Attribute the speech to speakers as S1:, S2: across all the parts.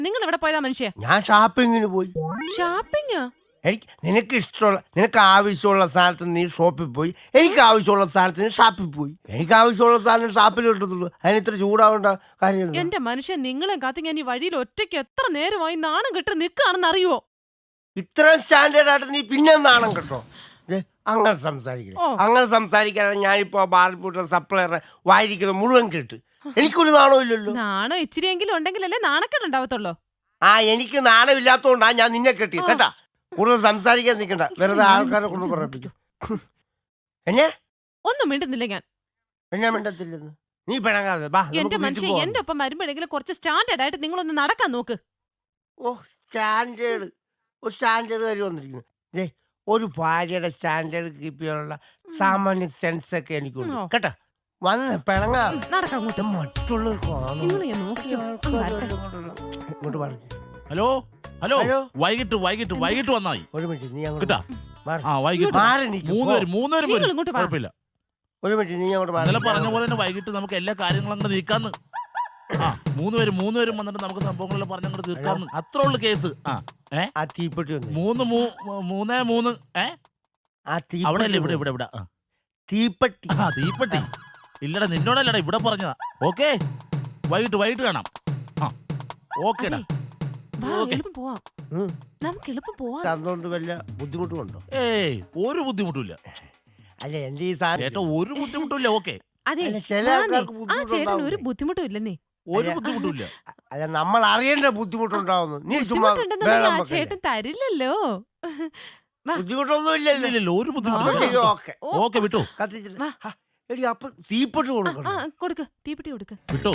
S1: നിങ്ങൾ എവിടെ പോയതാ മനുഷ്യ?
S2: ഞാൻ ഷോപ്പിങ്ങിന് പോയി.
S1: ഷോപ്പിംഗ്?
S2: നിനക്ക് ആവശ്യമുള്ള സാധനത്തിന് നീ ഷോപ്പിൽ പോയി, എനിക്ക് ആവശ്യമുള്ള സാധനത്തിന് ഷാപ്പിൽ പോയി. എനിക്ക് ആവശ്യമുള്ള സാധനം ഷാപ്പിൽ കിട്ടത്തുള്ളൂ. അതിന് ഇത്ര ചൂടാവേണ്ട കാര്യം.
S1: എന്റെ മനുഷ്യൻ, നിങ്ങളെ കാത്തി ഞാൻ ഈ വഴിയിൽ ഒറ്റയ്ക്ക് എത്ര നേരമായി നാണം കെട്ട് നിൽക്കുകയാണെന്ന് അറിയുവോ?
S2: ഇത്രയും സ്റ്റാൻഡേർഡ് ആയിട്ട് നീ പിന്നെ നാണം കേട്ടോ? അങ്ങനെ സംസാരിക്കാനാണ് ഞാനിപ്പോ ബാർബൂട്ട സപ്ലയറെ വായിരിക്കുന്നത് മുഴുവൻ കേട്ട്. എനിക്കൊരു നാണവും ഇല്ലല്ലോ.
S1: നാണം ഇച്ചിരിയെങ്കിലും ഉണ്ടെങ്കിലല്ലേ നാണക്കേട് ഉണ്ടാവത്തുള്ളൂ.
S2: എനിക്ക് നാണമില്ലാത്തോണ്ടാ ഞാൻ നിന്നെ കെട്ടി കേട്ടാ. കൂടുതൽ സംസാരിക്കാൻ നിൽക്കണ്ട, വെറുതെ ആൾക്കാരെ കൊണ്ട് പറയിപ്പിക്കും.
S1: ഒന്നും മിണ്ടുന്നില്ല ഞാൻ.
S2: മിണ്ടത്തില്ലെന്ന് നീ പിണങ്ങാതെ.
S1: എന്റെ മനുഷ്യൻ, എന്റെ ഒപ്പം വരുമ്പോഴെങ്കിലും കുറച്ച് സ്റ്റാൻഡേർഡ് ആയിട്ട് നിങ്ങളൊന്ന് നടക്കാൻ നോക്ക്.
S2: ഒരു സ്റ്റാൻഡേർഡ് കാര്യം വന്നിരിക്കുന്നു. ഒരു ഭാര്യയുടെ സ്റ്റാൻഡേർഡ് കീപ്പ് ചെയ്യാനുള്ള സാമാന്യ സെൻസ് ഒക്കെ എനിക്കുണ്ട് കേട്ടാ. വന്ന് പിണങ്ങാ മറ്റുള്ളവർ
S3: ഹലോ ഹലോ വൈകിട്ട് വന്നായി.
S2: ഒരു മിനിറ്റ് നീ
S3: ഒരു
S2: മിനിറ്റ് നീ അങ്ങോട്ട്
S3: പറഞ്ഞ പോലെ തന്നെ വൈകിട്ട് നമുക്ക് എല്ലാ കാര്യങ്ങളും അങ്ങോട്ട് നീക്കാന്ന്. മൂന്നുപേരും വന്നിട്ട് നമുക്ക് സംഭവങ്ങളെല്ലാം പറഞ്ഞങ്ങോട്ട് തീർക്കാന്ന്. അത്ര ഉള്ളു കേസ്.
S2: തീപ്പെട്ടി
S3: 3-3 അവിടെ അല്ലേ? ഇവിടെ
S2: തീപ്പെട്ടി
S3: ഇല്ലടാ, നിന്നോടല്ലടാ ഇവിടെ പറഞ്ഞതാ. ഓക്കെ, വൈകിട്ട് കാണാം. ഓക്കേടാ.
S2: വല്ല ബുദ്ധിമുട്ടുണ്ടോ?
S3: ഏയ്, ഒരു ബുദ്ധിമുട്ടില്ല.
S2: അല്ല എന്റെ ഈ ചേട്ടാ
S3: ഒരു ബുദ്ധിമുട്ടില്ല. ഓക്കെ,
S1: ഒരു ബുദ്ധിമുട്ടും ഇല്ലെന്നേ.
S3: ഒരു ബുദ്ധിമുട്ടില്ല.
S2: അല്ല, നമ്മൾ അറിയേണ്ട ബുദ്ധിമുട്ടുണ്ടാവുന്നു. നീ ചുമ്മാ
S1: ചേട്ടൻ തരില്ലല്ലോ.
S2: ബുദ്ധിമുട്ടൊന്നും ഇല്ലല്ലോ.
S3: ഒരു ബുദ്ധിമുട്ടില്ല. ഓക്കെ വിട്ടോ.
S2: അപ്പൊ തീപ്പെട്ടി
S1: കൊടുക്ക്, തീപ്പെട്ടി കൊടുക്ക്.
S3: വിട്ടോ.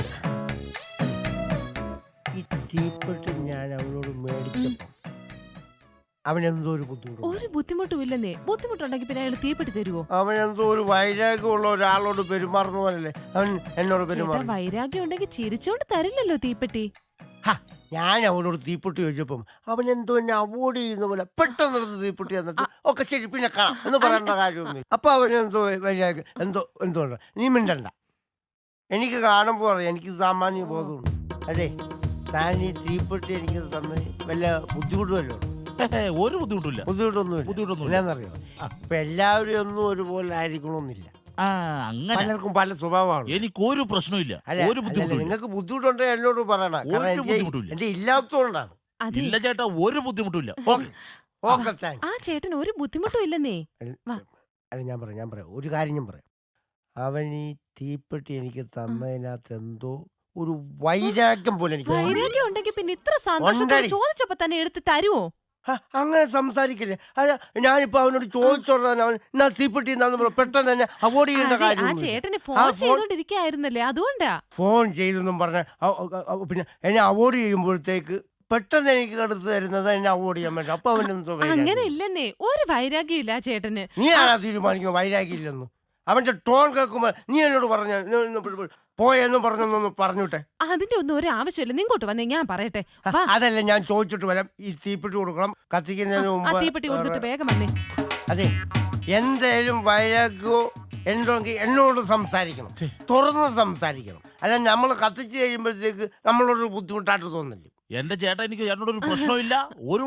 S2: ഈ തീപ്പെട്ടി ഞാൻ അവനോട് മേടിച്ചപ്പോ അവനെന്തോ ഒരു
S1: ബുദ്ധിമുട്ടും ഇല്ലെന്നേ. ബുദ്ധിമുട്ടുണ്ടെങ്കിൽ പിന്നെ അയാൾ തീപ്പെട്ടി തരുവോ?
S2: അവനെന്തോ ഒരു വൈരാഗ്യമുള്ള ഒരാളോട് പെരുമാറുന്ന പോലല്ലേ അവൻ എന്നോട് പെരുമാറും.
S1: വൈരാഗ്യം ഉണ്ടെങ്കിൽ ചിരിച്ചോണ്ട് തരില്ലല്ലോ തീപ്പെട്ടി.
S2: ഞാൻ അവനോട് തീപ്പെട്ടി ചോദിച്ചപ്പം അവനെന്തോ എന്നെ അവോയ്ഡ് ചെയ്യുന്ന പോലെ പെട്ടെന്ന് തീപ്പെട്ടി എന്നിട്ട് ഒക്കെ ശരി പിന്നെ കാണാം എന്ന് പറയേണ്ട കാര്യമൊന്നും. അപ്പൊ അവനെന്തോ വൈരാഗ്യം എന്തോ നീ മിണ്ടണ്ട. എനിക്ക് കാണുമ്പോൾ അറിയാം, എനിക്ക് സാമാന്യ ബോധമുണ്ട്. അതെ, താൻ ഈ തീപ്പെട്ടി എനിക്ക് തന്നെ വല്ല ബുദ്ധിമുട്ടുമല്ലോ?
S3: ഒരു ബുദ്ധിമുട്ടൊന്നും
S2: ഇല്ലെന്നറിയോ? ഇപ്പൊ എല്ലാവരും ഒന്നും ഒരുപോലെ ആയിരിക്കണമെന്നില്ല. പലർക്കും പല സ്വഭാവമാണ്.
S3: എനിക്കൊരു പ്രശ്നമില്ല.
S2: നിങ്ങൾക്ക് ബുദ്ധിമുട്ടുണ്ടെങ്കിൽ എന്നോട് പറയണം. എന്റെ ഇല്ലാത്തതുകൊണ്ടാണ്.
S3: ഇല്ല ചേട്ടാ, ഒരു ബുദ്ധിമുട്ടില്ല.
S1: ആ ചേട്ടൻ ഒരു ബുദ്ധിമുട്ടും ഇല്ലെന്നേ.
S2: അല്ല, ഞാൻ പറയാം ഒരു കാര്യം ഞാൻ പറയാം. അവൻ ഈ തീപ്പെട്ടി എനിക്ക് തന്നതിനകത്ത് എന്തോ ഒരു വൈരാഗ്യം പോലെ എനിക്ക്.
S1: വൈരാഗ്യം ഉണ്ടെങ്കിൽ പിന്നെ ഇത്ര സന്തോഷത്തോടെ ചോദിച്ചപ്പോ തന്നെ എടുത്ത് തരുവോ?
S2: അങ്ങനെ സംസാരിക്കില്ലേ? ഞാനിപ്പോ അവനോട് ചോദിച്ചോളാൻ അവൻ എന്നാ തീപ്പെട്ടി പെട്ടെന്ന് തന്നെ അവോയ്ഡ് ചെയ്യേണ്ട കാര്യം.
S1: ചേട്ടന് ഫോൺ ചെയ്തോണ്ടിരിക്കായിരുന്നല്ലേ, അതുകൊണ്ടാ.
S2: ഫോൺ ചെയ്തെന്നും പറഞ്ഞ പിന്നെ എന്നെ അവോയ്ഡ് ചെയ്യുമ്പോഴത്തേക്ക് പെട്ടെന്ന് എനിക്ക് എടുത്ത് തരുന്നത് എന്നെ അവോയ്ഡ് ചെയ്യാൻ പറ്റും. അപ്പൊ അവനെന്തോ
S1: അങ്ങനെ ഇല്ലെന്നേ, ഒരു വൈരാഗ്യം ഇല്ല ചേട്ടന്.
S2: നീ ആണാ തീരുമാനിക്കുന്നത് വൈരാഗ്യം ഇല്ലെന്നു? അവന്റെ ടോൺ കേൾക്കുമ്പോൾ നീ എന്നോട് പറഞ്ഞ പോയെന്നും പറഞ്ഞോട്ടെ.
S1: അതിന്റെ ഒന്നും ഒരു ആവശ്യമില്ല. നിങ്ങോട്ട് വന്നേ, ഞാൻ പറയട്ടെ.
S2: അതല്ല, ഞാൻ ചോദിച്ചിട്ട് വരാം. ഈ തീപ്പെട്ടി കൊടുക്കണം, കത്തിക്കുന്നതിന് മുമ്പ്
S1: തീപ്പെട്ടി കൊടുത്തിട്ട് വേഗം വന്നേ.
S2: അതെ, എന്തേലും വൈരാഗ്യമോ എന്തെങ്കിൽ എന്നോട് സംസാരിക്കണം, തുറന്ന് സംസാരിക്കണം. അല്ല, നമ്മൾ കത്തിച്ച് കഴിയുമ്പോഴത്തേക്ക് നമ്മളോട് ബുദ്ധിമുട്ടായിട്ട് തോന്നില്ല.
S3: എന്റെ ചേട്ടാ, എനിക്ക് ചേട്ടനോടൊരു പ്രശ്നമില്ല. ഒരു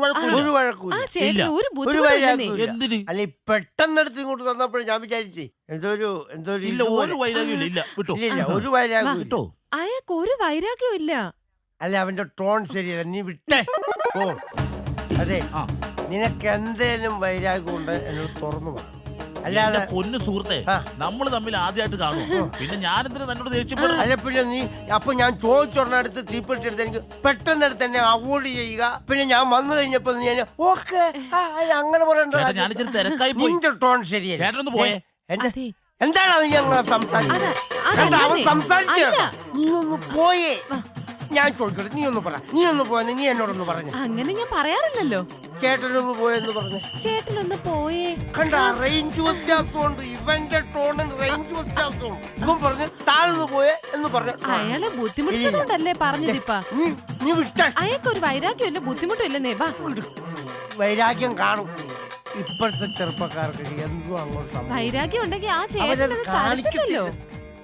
S2: വഴക്കൂല്ല. അല്ല, പെട്ടെന്നെടുത്ത് ഇങ്ങോട്ട് തന്നപ്പോഴും ഞാൻ വിചാരിച്ചേ ഒരു
S3: വൈരാഗ്യം ഇല്ല.
S2: ഒരു വൈരാഗ്യം ഇട്ടോ?
S1: അയാൾക്ക് ഒരു വൈരാഗ്യവും ഇല്ല.
S2: അല്ല, അവന്റെ ടോൺ ശരിയല്ല. നീ വിട്ടേ ഓ. അതെ, നിനക്ക് എന്തേലും വൈരാഗ്യം ഉണ്ട് എന്നോട് തുറന്നു പറ.
S3: അല്ലാതെ പൊന്നു സുഹൃത്തെ, നമ്മൾ തമ്മിൽ ആദ്യമായിട്ട് കാണും. പിന്നെ ഞാനെന്തിനാ തന്നോട് ദേഷ്യപ്പെടും?
S2: അല്ല, പിന്നെ നീ അപ്പൊ ഞാൻ ചോദിച്ചൊരെടുത്ത് തീപ്പെട്ടി എടുത്ത് എനിക്ക് പെട്ടെന്ന് എടുത്ത് എന്നെ അവോയ്ഡ് ചെയ്യുക. പിന്നെ ഞാൻ വന്നു കഴിഞ്ഞപ്പോ ഓക്കെ അങ്ങനെ പറയണ്ട.
S3: ഞാനിച്ചിരി തിരക്കായി പോയി.
S2: നിന്റെ ടോൺ ശരിയല്ല.
S3: ചേട്ടനൊന്ന് പോയേ.
S2: എന്താണ് ഞങ്ങൾ സംസാരിച്ച നീ ഒന്ന് പോയേ. ഞാൻ ചോദിക്കട്ടെ, നീ ഒന്ന് പറ. നീ ഒന്ന് പോയെന്ന് നീ എന്നോടൊന്ന് പറഞ്ഞു.
S1: അങ്ങനെ ഞാൻ പറയാറില്ലല്ലോ.
S2: ചേട്ടനൊന്ന് പോയെന്ന് പറഞ്ഞു.
S1: ചേട്ടനൊന്ന് പോയേ.
S2: കണ്ട, റേഞ്ച് വ്യത്യാസമുണ്ട്. ഇവന്റെ ടോണിന് റേഞ്ച് വ്യത്യാസമുണ്ട്. ഇവൻ പറഞ്ഞു താഴ്ന്നു പോയേ എന്ന് പറഞ്ഞു.
S1: അയാളെ ബുദ്ധിമുട്ടിച്ചതുകൊണ്ടല്ലേ പറഞ്ഞതിപ്പാ.
S2: നീ വിട്ട.
S1: അയാൾക്കൊരു വൈരാഗ്യം ഇല്ല, ബുദ്ധിമുട്ടും ഇല്ലെന്നേ.
S2: വൈരാഗ്യം കാണും. ഇപ്പോഴത്തെ ചെറുപ്പക്കാർക്ക് എന്തോ അങ്ങോട്ട്
S1: വൈരാഗ്യം ഉണ്ടെങ്കിൽ ആ ചേട്ടനത് കാണിക്കില്ലല്ലോ.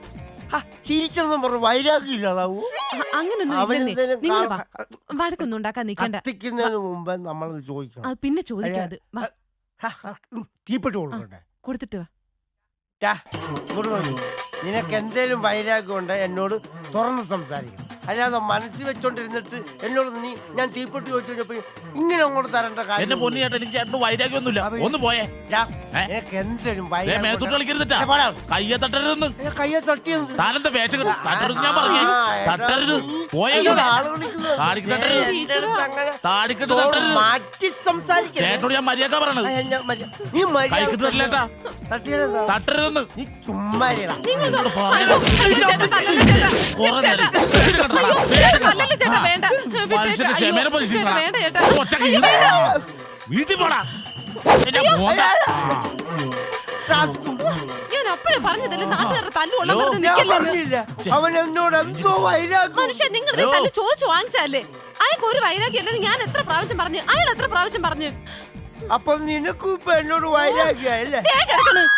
S2: ചിരിച്ചെന്നും പറഞ്ഞു വൈരാഗ്യം ഇല്ലാതാവൂ.
S1: അങ്ങനൊന്നും
S2: അവനെന്തേലും
S1: നിങ്ങൾ വഴക്കൊന്നും ഉണ്ടാക്കാൻ നിക്കണ്ട.
S2: കത്തിക്കുന്നതിന് മുമ്പ് നമ്മൾ ചോദിക്കണം.
S1: അത് പിന്നെ ചോദിക്കാത്.
S2: തീപ്പെട്ടി കൊടുക്കണ്ടേ?
S1: കൊടുത്തിട്ട് വാ.
S2: ടാ, ഇങ്ങോട്ട് നോക്ക്. നിനക്ക് എന്തേലും വൈരാഗ്യം ഉണ്ട് എന്നോട് തുറന്ന് സംസാരിക്കണം. അല്ലാതെ മനസ്സിൽ വെച്ചോണ്ടിരുന്നിട്ട് എന്നോട് ഞാൻ തീപ്പെട്ടി ചോദിച്ചു കഴിഞ്ഞപ്പോ ഇങ്ങനെ അങ്ങോട്ട് തരേണ്ട
S3: എന്റെ
S2: കാര്യം.
S3: പൊന്നു ചേട്ടൻ എനിക്ക് ചേട്ടന് വൈരാഗ്യമൊന്നുമില്ല. ഒന്ന് പോയേ.
S2: നിനക്ക് എന്തേലും
S3: മേത്തോട്ട് കളിക്കരുതിട്ടാ. കയ്യെ തട്ടരുതെന്ന്.
S2: കയ്യെ തട്ടിയത്
S3: താനെന്താ വേഷം കെട്ടി തട്ടരുത് ഞാൻ പറഞ്ഞു. തട്ടരുത്. പോയെങ്കിൽ താടിക്ക് തട്ടരുത്. താടിക്കിട്ട് തട്ടരുത്.
S2: മാറ്റി സംസാരിക്കണം.
S3: ചേട്ടനോട് ഞാൻ മര്യാദ പറയണത്.
S2: നീ
S3: കൈക്കിട്ട് തട്ടില്ലേട്ടാ. തട്ടരുതെന്ന്.
S2: നീ ചുമ്മാ
S3: എന്നോട് പറഞ്ഞത്.
S1: ചേട്ടാ, തല്ലല്ലേ ചേട്ടാ.
S3: കുറേ നേരം.
S1: അയ്യോ, ചേട്ടാ, തല്ലല്ലേ ചേട്ടാ, വേണ്ട.
S3: മനുഷ്യന്റെ ക്ഷമേനെ
S1: ചേട്ടാ,
S3: പരീക്ഷിക്കണം.
S1: വേണ്ട ചേട്ടാ.
S3: വീട്ടിൽ പോടാ. എന്നെ പോണ്ട.
S1: ഞാൻ അപ്പഴേ പറഞ്ഞതല്ലേ നാട്ടുകാരുടെ തല്ലുകൊള്ളാൻ
S3: ഹലോ,
S1: വെറുതെ
S2: ഞാൻ
S1: നിക്കല്ലെന്ന്.
S2: പറഞ്ഞില്ല അവൻ എന്നോട് എന്തോ വൈരാഗ്യം.
S1: മനുഷ്യൻ നിങ്ങളുടെ തല്ല് ചോദിച്ചു വാങ്ങിച്ചല്ലേ? അയാൾക്ക് ഒരു വൈരാഗ്യം അല്ലെന്ന് ഞാൻ എത്ര പ്രാവശ്യം പറഞ്ഞു? അയാൾ എത്ര പ്രാവശ്യം പറഞ്ഞു?
S2: അപ്പൊ നിനക്കും ഇപ്പൊ എന്നോട് വൈരാഗ്യല്ലേ?
S1: ദേ കിടക്കണ്.